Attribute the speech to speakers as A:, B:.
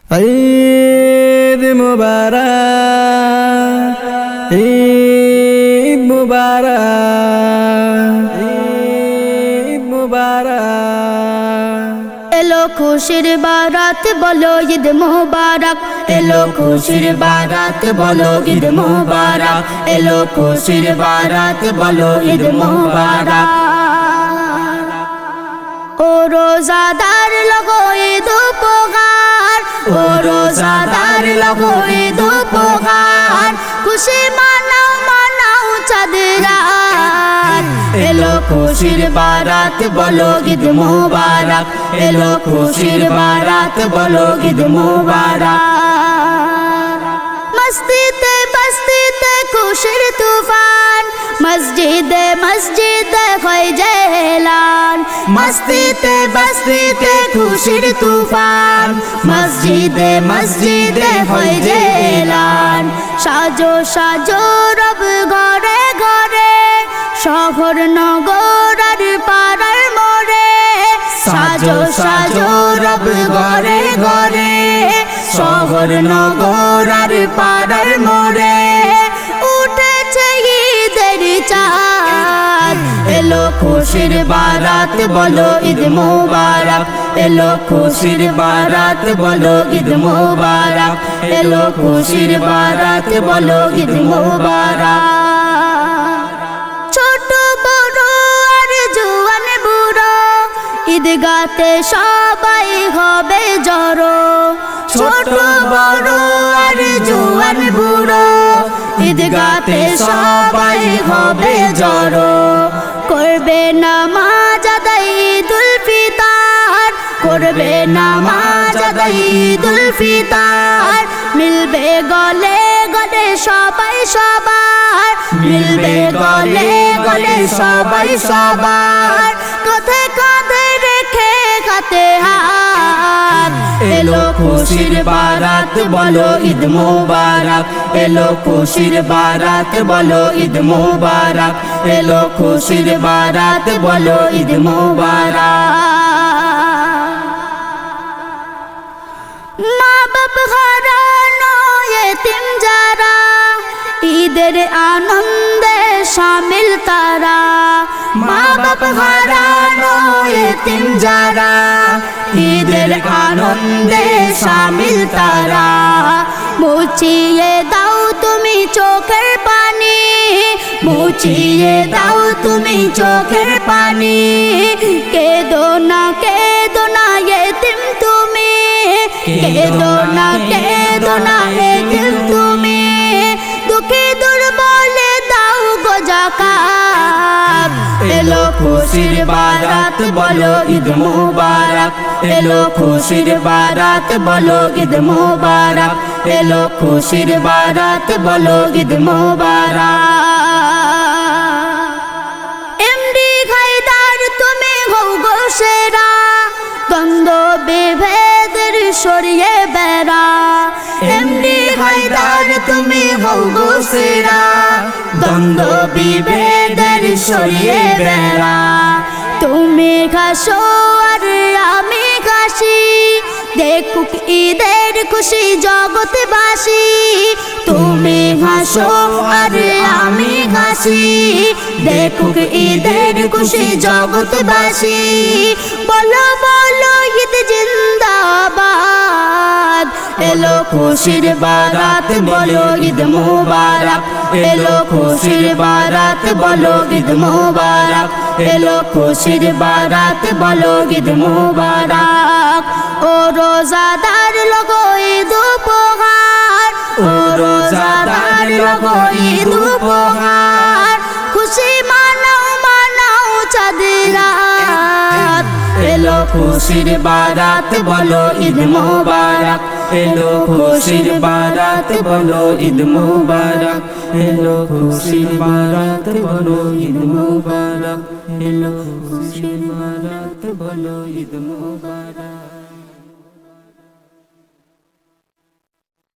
A: ঈদ মুবারক, ঈদ মুবারক, ঈদ মুবারক।
B: এলো খুশির বারাত বলো ঈদ মুবারক, এলো খুশির বারাত বলো ঈদ মুবারক, এলো খুশির বারাত বলো ঈদ মুবারক। ও রোজাদার লগো ঈদ উপহার, ও রোজাদার লগো ঈদ উপহার, খুশি মানাও মানাও চাঁদ রাত। এলো খুশির বারাত বলো ঈদ মুবারক, এলো খুশির বারাত বলো ঈদ মুবারক। মসজিদে বস্তিতে খুশির তুফান, মসজিদে মসজিদে হয় এলান। মসজিদে বস্তিতে খুশির তুফান, মসজিদে মসজিদে হয় এলান। সাজো সাজো রব ঘরে ঘরে, শহর নগর আর পাড়ার মোড়ে। সাজো সাজো রব ঘরে ঘরে, শহর নগর আর পাড়ার মোড়ে। উঠেছে ঈদের চাঁদ, এলো খুশির বারাত বলো ঈদ মুবারক, এলো খুশির বারাত বলো ঈদ মুবারক, এলো খুশির বারাত বলো ঈদ মুবারক। ছোট বড় আর জওয়ান বুড়ো, ঈদগাতে সবাই হবে জড়ো। ছোট বড় আর জওয়ান বুড়ো, ঈদগাতে সবাই হবে জড়ো। করবে নামাজ আদায় ঈদুল ফিতর, করবে নামাজ আদায় ঈদুল ফিতর। মিলবে গলে গলে সবাই সবার, মিলবে গলে গলে সবাই সবার। কাঁধে কাঁধে রেখে হাতে হাত, এলো খুশির বারাত বলো ঈদ মুবারক, এলো খুশির বারাত বলো ঈদ মুবারক, এলো খুশির বারাত বলো ঈদ মুবারক। মা বাপ হারানো এতিম যারা, ঈদের আনন্দে শামিল তারা। মা বাপ হারানো এতিম যারা, ঈদের আনন্দে শামিল তারা। মুছিয়ে দাও তুমি চোখের পানি, মুছিয়ে দাও তুমি চোখের পানি। কেঁদো না এতিম তুমি, কেঁদো না এতিম তুমি। দুঃখে দুর্বলে দাও গো যাকাত, এলো খুশির বারাত বলো ঈদ মুবারক, এলো খুশির বারাত বলো ঈদ মুবারক, এলো খুশির বারাত বলো ঈদ মুবারক। এমডি হায়দার তুমি হও গো সেরা, দ্বন্দ্ব বিভেদের সরিয়ে বেড়া। এমডি হায়দার তুমি হও গো সেরা, দ্বন্দ্ব বিভেদের সরিয়ে বেড়া। তুমি হাসো আর আমি হাসি, দেখুক ঈদের খুশি জগৎবাসী। তুমি হাসো আর আমি হাসি, দেখুক ঈদের খুশি জগৎবাসী। বলো বলো ঈদ জিন্দাবাদ, এলো খুশির বারাত বলো ঈদ মুবারক, এলো খুশির বারাত বলো ঈদ মুবারক, এলো খুশির বারাত বলো ঈদ মুবারক। ও রোজাদার লগো ঈদ উপহার, ও রোজাদার লগো ঈদ উপহার, খুশি মানাও মানাও চাঁদ রাত। এলো খুশির বারাত বলো ঈদ মুবারক, এলো খুশির বারাত বলো ঈদ মুবারক, এলো খুশির বারাত বলো ঈদ মুবারক, এলো খুশির বারাত বলো ঈদ মুবারক।